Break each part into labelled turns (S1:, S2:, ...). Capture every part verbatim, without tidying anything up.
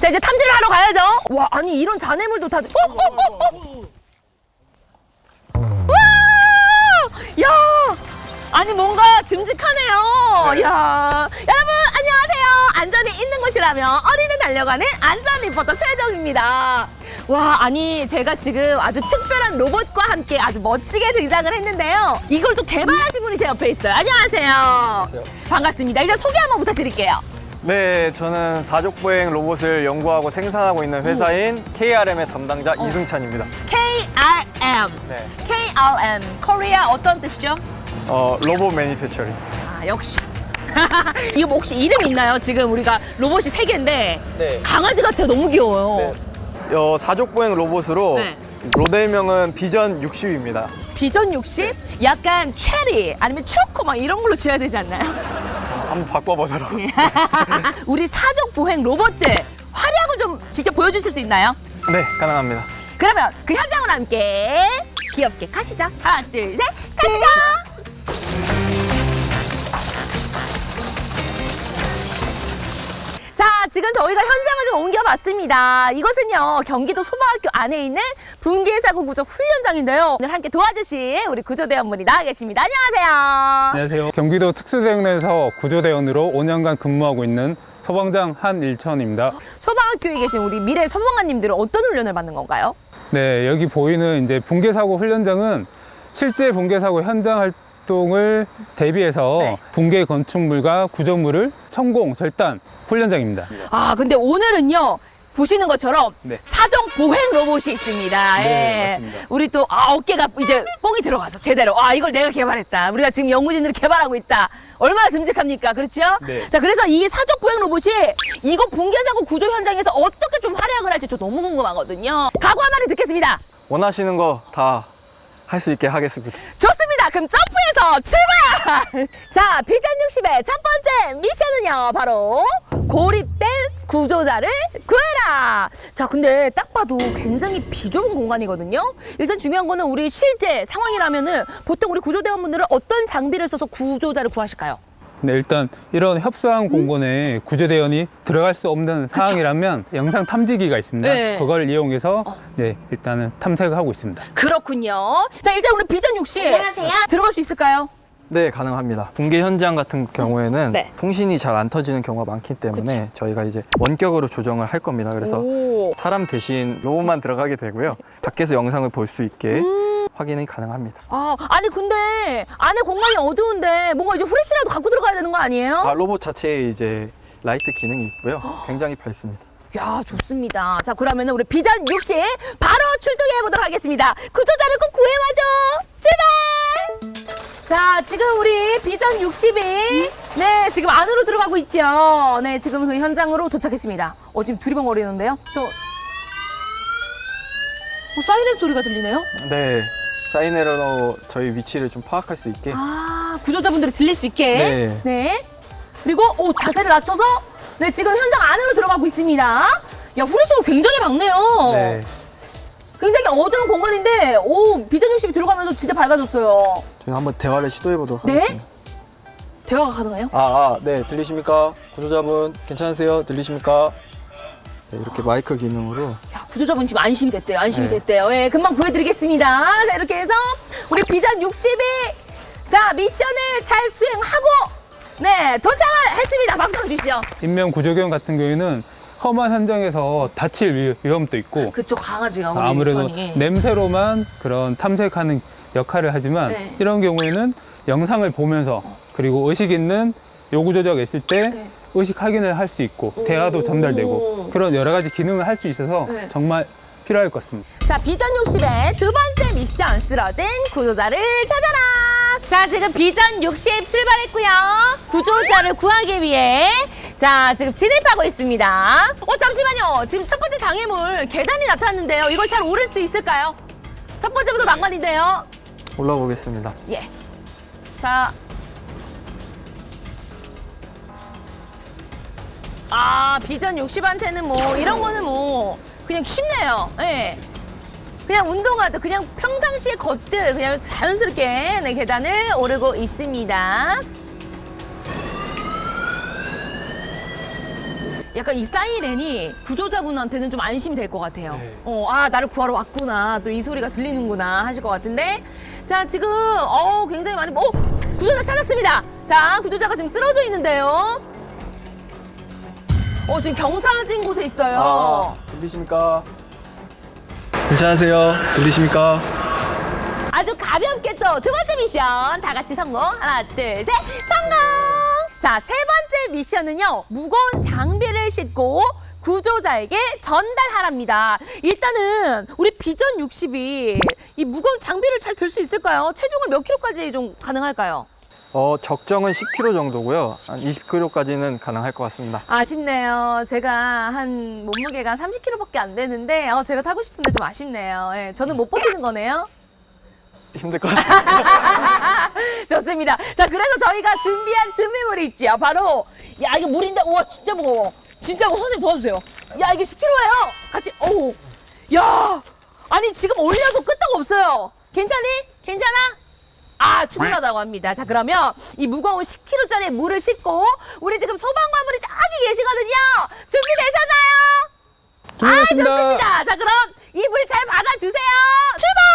S1: 자, 이제 탐지를 하러 가야죠. 와, 아니 이런 잔해물도 다. 어, 어, 어, 어. 와, 야, 아니 뭔가 듬직하네요.
S2: 네.
S1: 야, 여러분 안녕하세요. 안전이 있는 곳이라면 어디든 달려가는 안전 리포터 최정입니다. 와, 아니 제가 지금 아주 특별한 로봇과 함께 아주 멋지게 등장을 했는데요. 이걸 또 개발하신 분이 제 옆에 있어요. 안녕하세요.
S2: 안녕하세요.
S1: 반갑습니다. 이제 소개 한번 부탁드릴게요.
S2: 네, 저는 사족보행 로봇을 연구하고 생산하고 있는 회사인 케이알엠의 담당자 이승찬입니다.
S1: 케이알엠.
S2: 네,
S1: 케이알엠. 코리아 어떤 뜻이죠?
S2: 어, 로봇 매니팩처링.
S1: 아, 역시. 이거 뭐 혹시 이름 있나요? 지금 우리가 로봇이 세 개인데
S2: 네.
S1: 강아지 같아요. 너무 귀여워요.
S2: 네. 어, 사족보행 로봇으로
S1: 네.
S2: 모델명은 비전 육십입니다.
S1: 비전 육십? 약간 체리 아니면 초코 막 이런 걸로 지어야 되지 않나요?
S2: 한번 바꿔보도록.
S1: 우리 사족 보행 로봇들 활약을 좀 직접 보여주실 수 있나요?
S2: 네, 가능합니다.
S1: 그러면 그 현장으로 함께 귀엽게 가시죠. 하나, 둘, 셋, 가시죠. 자, 지금 저희가 현장을 좀 옮겨봤습니다. 이것은요, 경기도 소방학교 안에 있는 붕괴사고 구조 훈련장인데요. 오늘 함께 도와주실 우리 구조대원분이 나와 계십니다. 안녕하세요.
S3: 안녕하세요. 경기도 특수대응에서 구조대원으로 오 년간 근무하고 있는 소방장 한일천입니다.
S1: 소방학교에 계신 우리 미래 소방관님들은 어떤 훈련을 받는 건가요?
S3: 네, 여기 보이는 이제 붕괴사고 훈련장은 실제 붕괴사고 현장 활동을 대비해서
S1: 네.
S3: 붕괴 건축물과 구조물을 천공, 절단 훈련장입니다.
S1: 아, 근데 오늘은요, 보시는 것처럼
S3: 네.
S1: 사정 보행 로봇이 있습니다.
S3: 네,
S1: 예.
S3: 맞습니다.
S1: 우리 또 아, 어깨가 이제 뽕이 들어가서 제대로 아, 이걸 내가 개발했다. 우리가 지금 연구진들이 개발하고 있다. 얼마나 듬직합니까? 그렇죠?
S3: 네.
S1: 자, 그래서 이 사정 보행 로봇이 이거 붕괴사고 구조 현장에서 어떻게 좀 활약을 할지 저 너무 궁금하거든요. 각오 한마디 듣겠습니다.
S2: 원하시는 거 다 할 수 있게 하겠습니다.
S1: 좋습니다. 그럼 점프해서 출발! 자, 비전 육십의 첫 번째 미션은요, 바로 고립된 구조자를 구해라! 자, 근데 딱 봐도 굉장히 비좁은 공간이거든요? 일단 중요한 거는 우리 실제 상황이라면은 보통 우리 구조대원분들은 어떤 장비를 써서 구조자를 구하실까요?
S3: 네, 일단 이런 협소한 공간에 구조대원이 들어갈 수 없는 상황이라면 영상 탐지기가 있습니다.
S1: 네.
S3: 그걸 이용해서
S1: 어.
S3: 네, 일단은 탐색을 하고 있습니다.
S1: 그렇군요. 자, 일단 우리 비전 육십.
S4: 안녕하세요.
S1: 들어갈 수 있을까요?
S2: 네, 가능합니다. 붕괴 현장 같은 경우에는
S1: 네.
S2: 통신이 잘 안 터지는 경우가 많기 때문에 저희가 이제 원격으로 조정을 할 겁니다. 그래서
S1: 오.
S2: 사람 대신 로봇만 들어가게 되고요. 밖에서 영상을 볼 수 있게 확인이 가능합니다.
S1: 아, 아니 근데 안에 공간이 어두운데 뭔가 이제 후레쉬라도 갖고 들어가야 되는 거 아니에요?
S2: 아, 로봇 자체에 이제 라이트 기능이 있고요. 굉장히 밝습니다.
S1: 야, 좋습니다. 자, 그러면 우리 비전 육십 바로 출동해 보도록 하겠습니다. 구조자를 꼭 구해와줘. 출발! 자, 지금 우리 비전 육십이 네, 지금 안으로 들어가고 있죠. 네, 지금 그 현장으로 도착했습니다. 어, 지금 두리번거리는데요. 저 어, 사이렌 소리가 들리네요.
S2: 네, 사이렌으로 저희 위치를 좀 파악할 수 있게.
S1: 아, 구조자분들이 들릴 수 있게.
S2: 네.
S1: 네. 그리고 오, 자세를 낮춰서 네, 지금 현장 안으로 들어가고 있습니다. 야, 후레쉬가 굉장히 밝네요.
S2: 네,
S1: 굉장히 어두운 공간인데 오, 비전 육십이 들어가면서 진짜 밝아졌어요.
S2: 저희 한번 대화를 시도해 보도록
S1: 네?
S2: 하겠습니다.
S1: 대화가 가능해요?
S2: 아, 아, 네, 들리십니까? 구조자분 괜찮으세요? 들리십니까? 네, 이렇게 마이크 기능으로.
S1: 야, 구조자분 지금 안심이 됐대요. 안심이
S2: 네.
S1: 됐대요. 예, 금방 구해드리겠습니다. 자, 이렇게 해서 우리 비전 육십이 자, 미션을 잘 수행하고 네, 도착을 했습니다. 박수 한번 주시죠.
S3: 인명 구조견 같은 경우에는 험한 현장에서 다칠 위- 위험도 있고
S1: 그쪽 강아지가 우리
S3: 아무래도
S1: 편이.
S3: 냄새로만 그런 탐색하는 역할을 하지만
S1: 네.
S3: 이런 경우에는 영상을 보면서 그리고 의식 있는 요구 조작이 있을 때
S1: 네.
S3: 의식 확인을 할 수 있고 대화도 전달되고 그런 여러 가지 기능을 할 수 있어서
S1: 네.
S3: 정말 필요할 것 같습니다.
S1: 자, 비전 육십의 두 번째 미션 쓰러진 구조자를 찾아라. 자, 지금 비전 육십 출발했고요. 구조자를 구하기 위해 자, 지금 진입하고 있습니다. 어, 잠시만요. 지금 첫 번째 장애물 계단이 나타났는데요. 이걸 잘 오를 수 있을까요? 첫 번째부터 난관인데요.
S2: 올라오겠습니다.
S1: 예. 자. 아, 비전 육십한테는 뭐 이런 거는 뭐 그냥 쉽네요. 예. 그냥 운동하듯 그냥 평상시에 걷듯 그냥 자연스럽게 네, 계단을 오르고 있습니다. 약간 이 사이렌이 구조자분한테는 좀 안심이 될 것 같아요.
S2: 네.
S1: 어, 아, 나를 구하러 왔구나. 또 이 소리가 들리는구나 하실 것 같은데. 자, 지금, 어, 굉장히 많이, 어, 구조자 찾았습니다. 자, 구조자가 지금 쓰러져 있는데요. 어, 지금 경사진 곳에 있어요.
S2: 아, 들리십니까? 괜찮으세요? 들리십니까?
S1: 아주 가볍게 또 두 번째 미션 다 같이 성공. 하나, 둘, 셋, 성공! 자, 세 번째 미션은요. 무거운 장비를 싣고 구조자에게 전달하랍니다. 일단은 우리 비전 육십이 이 무거운 장비를 잘 들 수 있을까요? 체중을 몇 킬로까지 좀 가능할까요?
S2: 어, 적정은 십 킬로그램 정도고요. 한 이십 킬로그램까지는 가능할 것 같습니다.
S1: 아쉽네요. 제가 한 몸무게가 삼십 킬로그램밖에 안 되는데 어, 제가 타고 싶은데 좀 아쉽네요. 예, 저는 못 버티는 거네요.
S2: 힘들 것 같아요.
S1: 좋습니다. 자, 그래서 저희가 준비한 준비물이 있죠. 바로 야, 이게 물인데 우와 진짜 무거워. 진짜 무거워. 선생님 도와주세요. 야, 이게 십 킬로그램예요. 같이 오. 야, 아니 지금 올려도 끄떡 없어요. 괜찮니? 괜찮아? 아, 충분하다고 합니다. 자, 그러면 이 무거운 십 킬로그램짜리 물을 싣고 우리 지금 소방관분이 저기 계시거든요. 준비되셨나요? 아,
S3: 준비됐습니다.
S1: 좋습니다. 자, 그럼 이 물 잘 받아주세요. 출발!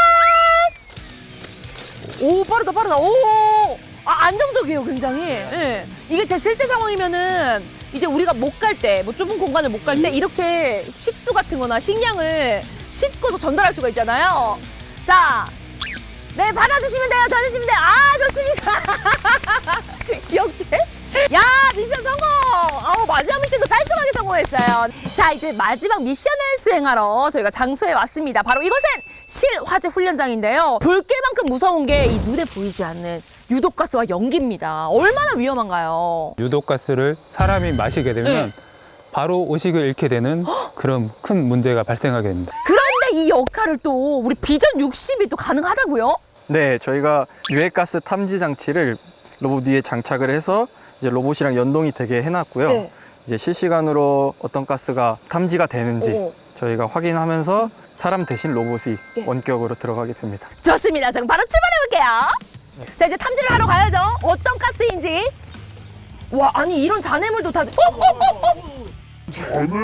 S1: 오, 빠르다, 빠르다. 오, 아, 안정적이에요, 굉장히. 예. 이게 제 실제 상황이면은 이제 우리가 못 갈 때, 뭐 좁은 공간을 못 갈 때 이렇게 식수 같은 거나 식량을 싣고서 전달할 수가 있잖아요. 자, 네, 받아주시면 돼요. 받아주시면 돼요. 아, 좋습니다. 이렇게. 야, 미션 성공! 아우, 마지막 미션도 깔끔하게 성공했어요. 자, 이제 마지막 미션을 수행하러 저희가 장소에 왔습니다. 바로 이곳은 실화재 훈련장인데요. 불길만큼 무서운 게 이 눈에 보이지 않는 유독가스와 연기입니다. 얼마나 위험한가요?
S3: 유독가스를 사람이 마시게 되면
S1: 네.
S3: 바로 의식을 잃게 되는 그런 큰 문제가 발생하게 됩니다.
S1: 그런데 이 역할을 또 우리 비전 육십이 또 가능하다고요?
S2: 네, 저희가 유해가스 탐지 장치를 로봇 위에 장착을 해서 이제 로봇이랑 연동이 되게 해놨고요.
S1: 네.
S2: 이제 실시간으로 어떤 가스가 탐지가 되는지
S1: 오.
S2: 저희가 확인하면서 사람 대신 로봇이
S1: 예.
S2: 원격으로 들어가게 됩니다.
S1: 좋습니다. 자, 그럼 바로 출발해볼게요. 자, 이제 탐지를 하러 가야죠. 어떤 가스인지. 와, 아니 이런 잔해물도 다. 어, 어, 어, 어.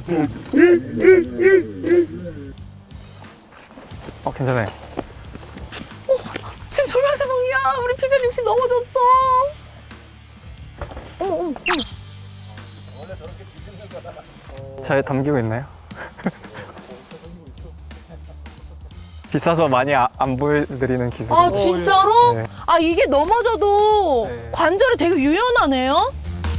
S2: 어, 괜찮아요.
S1: 지금 돌발 상황이야. 우리 비전 육십 넘어졌어. 어머, 어머, 어머.
S2: 잘 담기고 있나요? 비싸서 많이 아, 안 보여드리는 기술이에요.
S1: 아, 진짜로?
S2: 네.
S1: 아, 이게 넘어져도
S2: 네.
S1: 관절이 되게 유연하네요?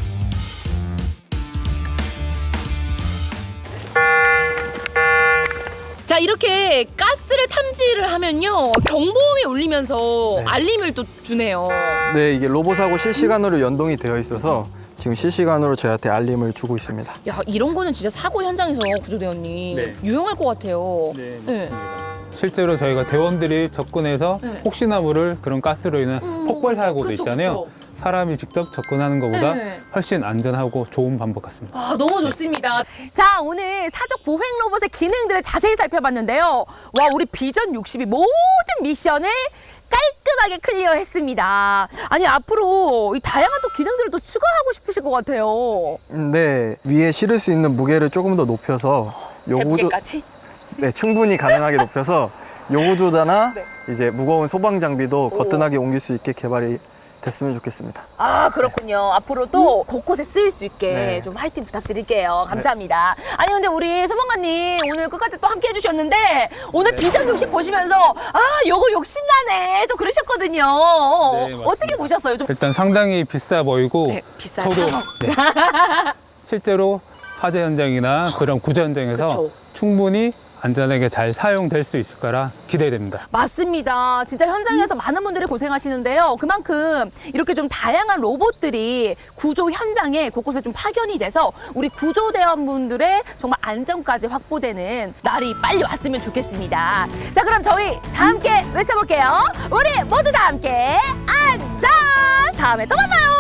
S1: 자, 이렇게 가스를 탐지를 하면요. 경보음이 울리면서
S2: 네.
S1: 알림을 또 주네요.
S2: 네, 이게 로봇하고 실시간으로 연동이 되어 있어서 지금 실시간으로 저희한테 알림을 주고 있습니다.
S1: 야, 이런 거는 진짜 사고 현장에서 구조대원님
S2: 네.
S1: 유용할 것 같아요.
S2: 네,
S3: 실제로 저희가 대원들이 접근해서
S1: 네.
S3: 혹시나 모를 그런 가스로 인한
S1: 음,
S3: 폭발 사고도
S1: 그쵸,
S3: 있잖아요.
S1: 그쵸.
S3: 사람이 직접 접근하는 것보다
S1: 네.
S3: 훨씬 안전하고 좋은 방법 같습니다.
S1: 아, 너무 좋습니다. 자, 오늘 사족 보행 로봇의 기능들을 자세히 살펴봤는데요. 와, 우리 비전 육십이 모든 미션을 깔끔하게 클리어했습니다. 아니, 앞으로 이 다양한 또 기능들을 또 추가하고 싶으실 것 같아요.
S2: 네, 위에 실을 수 있는 무게를 조금 더 높여서
S1: 제
S2: 요구조,
S1: 무게까지?
S2: 네, 충분히 가능하게 높여서 요구조자나
S1: 네.
S2: 이제 무거운 소방 장비도 거뜬하게 옮길 수 있게 개발이 됐으면 좋겠습니다.
S1: 아, 그렇군요. 앞으로도 곳곳에 쓰일 수 있게
S2: 네.
S1: 좀 화이팅 부탁드릴게요. 감사합니다. 아니, 근데 우리 소방관님 오늘 끝까지 또 함께 해주셨는데 오늘 비전 육십 보시면서 아, 요거 욕심나네 또 그러셨거든요.
S3: 네, 맞습니다.
S1: 어떻게 보셨어요? 좀
S3: 일단 상당히 비싸 보이고
S1: 네, 비싸죠.
S3: 저도 네, 실제로 화재 현장이나 그런 구조 현장에서
S1: 그쵸.
S3: 충분히 안전하게 잘 사용될 수 있을 거라 기대됩니다.
S1: 맞습니다. 진짜 현장에서 많은 분들이 고생하시는데요. 그만큼 이렇게 좀 다양한 로봇들이 구조 현장에 곳곳에 좀 파견이 돼서 우리 구조대원분들의 정말 안전까지 확보되는 날이 빨리 왔으면 좋겠습니다. 자, 그럼 저희 다 함께 외쳐볼게요. 우리 모두 다 함께 안전! 다음에 또 만나요.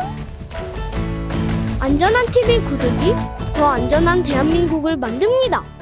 S1: 안녕!
S4: 안전한 티비 구독이 더 안전한 대한민국을 만듭니다.